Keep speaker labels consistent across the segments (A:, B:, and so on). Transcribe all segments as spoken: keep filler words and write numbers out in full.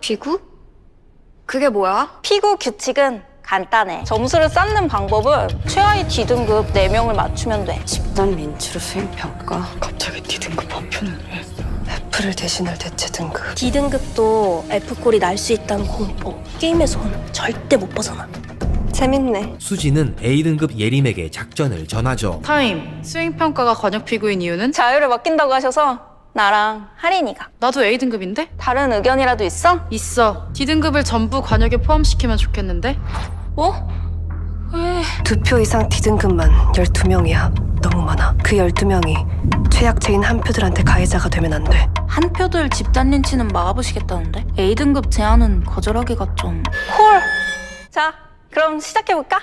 A: 피구? 그게 뭐야?
B: 피구 규칙은 간단해. 점수를 쌓는 방법은 최하위 D등급 네 명을 맞추면 돼.
C: 집단 민추로 수행평가.
D: 갑자기 D등급 파편을 왜?
C: F를 대신할 대체 등급.
E: D등급도 F꼴이 날 수 있다는 공포. 게임에선 절대 못 벗어나.
C: 재밌네.
F: 수지는 A등급 예림에게 작전을 전하죠.
D: 타임. 수행평가가 관역피구인 이유는?
B: 자유를 맡긴다고 하셔서 나랑 하린이가.
D: 나도 A등급인데?
B: 다른 의견이라도 있어?
D: 있어. D등급을 전부 관역에 포함시키면 좋겠는데?
B: 어? 왜?
C: 두 표 이상 D등급만 열두 명이야. 너무 많아. 그 열두 명이 최약체인 한 표들한테 가해자가 되면 안 돼.
B: 한 표들 집단 린치는 막아보시겠다는데? A등급 제안은 거절하기가 좀... 콜! 자, 그럼 시작해볼까?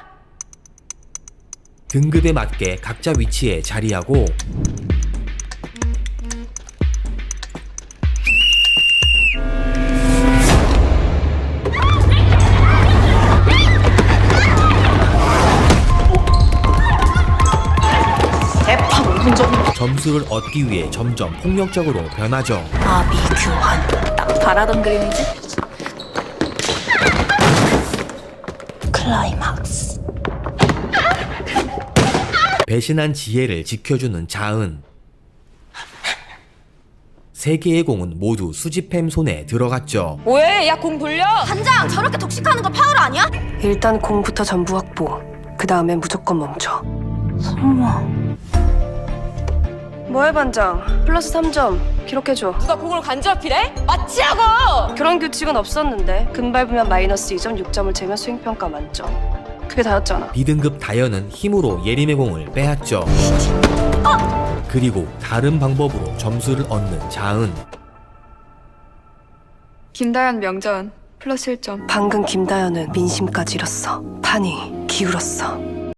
F: 등급에 맞게 각자 위치에 자리하고
D: 대파 오 분 전에.
F: 점수를 얻기 위해 점점 폭력적으로 변하죠.
B: 아비규환. 딱 바라던 그림이지? 클라이막스.
F: 배신한 지혜를 지켜주는 자은. 세 개의 공은 모두 수지팸 손에 들어갔죠.
B: 뭐해? 야, 공 돌려!
E: 단장 저렇게 독식하는 거 파울 아니야?
C: 일단 공부터 전부 확보. 그 다음엔 무조건 멈춰.
B: 설마...
C: 뭐해 반장? 플러스 삼 점 기록해줘.
A: 누가 공을 간지럽히래? 마치라고!
C: 그런 규칙은 없었는데 금 밟으면 마이너스 이 점, 육 점을 재면 수행평가 만점. 그게 다였잖아.
F: B등급 다현은 힘으로 예림의 공을 빼앗죠. 그리고 다른 방법으로 점수를 얻는 자은.
A: 김다현 명전 플러스 일 점.
C: 방금 김다현은 민심까지 잃었어. 판이 기울었어.